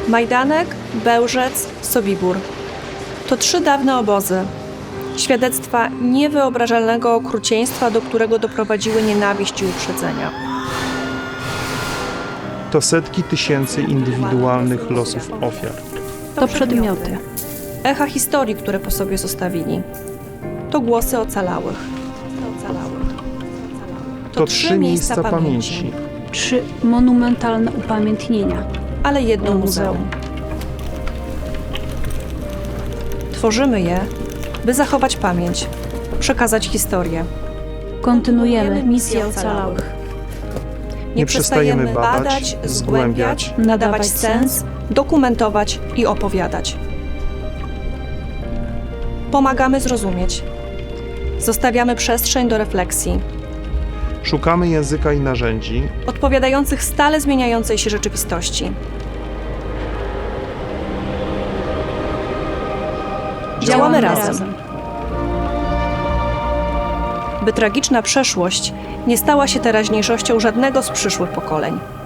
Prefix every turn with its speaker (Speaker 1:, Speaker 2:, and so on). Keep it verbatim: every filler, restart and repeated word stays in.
Speaker 1: Majdanek, Bełżec, Sobibór. To trzy dawne obozy. Świadectwa niewyobrażalnego okrucieństwa, do którego doprowadziły nienawiść i uprzedzenia.
Speaker 2: To setki tysięcy indywidualnych losów ofiar.
Speaker 3: To przedmioty.
Speaker 1: Echa historii, które po sobie zostawili. To głosy ocalałych.
Speaker 2: To trzy miejsca pamięci.
Speaker 3: Trzy monumentalne upamiętnienia.
Speaker 1: Ale jedno muzeum. Tworzymy je, by zachować pamięć, przekazać historię.
Speaker 3: Kontynuujemy misję ocalałych.
Speaker 1: Nie przestajemy badać, zgłębiać, nadawać sens, dokumentować i opowiadać. Pomagamy zrozumieć. Zostawiamy przestrzeń do refleksji,
Speaker 2: Szukamy języka i narzędzi,
Speaker 1: odpowiadających stale zmieniającej się rzeczywistości. Działamy razem, by tragiczna przeszłość nie stała się teraźniejszością żadnego z przyszłych pokoleń.